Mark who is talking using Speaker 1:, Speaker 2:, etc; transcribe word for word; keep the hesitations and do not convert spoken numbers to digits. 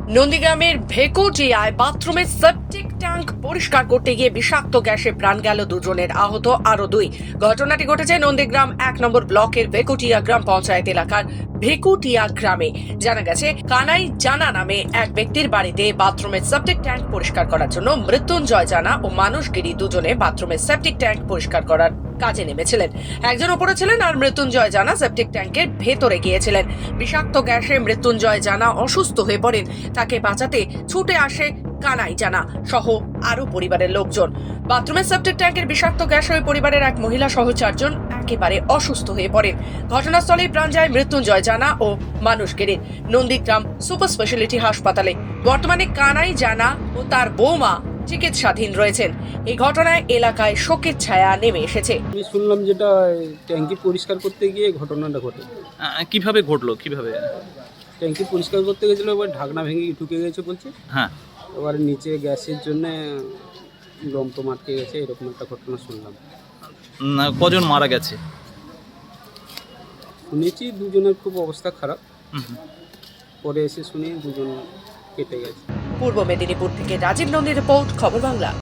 Speaker 1: নন্দীগ্রামের ভেকুটিয়ায় বাথরুমের septic tank পরিষ্কার করতে গিয়ে বিষাক্ত গ্যাসে প্রাণ গেল দুজনের, আহত আরো দুই। ঘটনাটি ঘটেছে নন্দীগ্রাম এক নম্বর ব্লকের ভেকুটিয়া গ্রাম পঞ্চায়েত এলাকার ভেকুটিয়া গ্রামে। জানা গেছে, কানাই জানা নামে এক ব্যক্তির বাড়িতে বাথরুমের সেপটিক ট্যাঙ্ক পরিষ্কার করার জন্য মৃত্যুঞ্জয় জানা ও মানুষগিরি দুজনে বাথরুমের সেপটিক ট্যাঙ্ক পরিষ্কার করার কাজে নেমেছিলেন। একজন উপরে ছিলেন আর মৃত্যুঞ্জয় জানা সেপটিক ট্যাঙ্কের ভেতরে গিয়েছিলেন। বিষাক্ত গ্যাসে মৃত্যুঞ্জয় জানা অসুস্থ হয়ে পড়েন। তাকে বাঁচাতে ছুটে আসে কানাই জানা সহ আরো পরিবারের লোকজন। বাথরুমের সেপটিক ট্যাঙ্কের বিষাক্ত গ্যাস হয়ে পরিবারের এক মহিলা সহ চারজন একেবারে অসুস্থ হয়ে পড়েন। ঘটনাস্থলেই প্রাণ যায় মৃত্যুঞ্জয় জানা ও মানুষগিরির। নন্দীগ্রাম সুপার স্পেশালিটি হাসপাতালে বর্তমানে কানাই জানা ও তার বৌমা চিকিৎসাধীন রয়েছেন। এই ঘটনায় এলাকায় শোকের ছায়া নেমে এসেছে।
Speaker 2: আমি শুনলাম যেটা ট্যাঙ্কি পরিষ্কার করতে গিয়ে ঘটনাটা ঘটে।
Speaker 3: আহ, কিভাবে ঘটলো কিভাবে?
Speaker 2: ট্যাঙ্কি পরিষ্কার করতে গেছিলো, এবার ঢাকনা ভেঙে ঢুকে গেছে বলছে।
Speaker 3: হ্যাঁ,
Speaker 2: এবার নিচে গ্যাসের জন্য লম্প আটকে গেছে, এরকম একটা ঘটনা শুনলাম।
Speaker 3: উম, কজন মারা গেছে?
Speaker 2: শুনেছি দুজনের খুব অবস্থা খারাপ,
Speaker 3: হুম হুম।
Speaker 2: পরে এসে শুনি দুজন কেটে গেছে।
Speaker 1: পূর্ব মেদিনীপুর থেকে রাজীব নন্দীর রিপোর্ট, খবর বাংলা।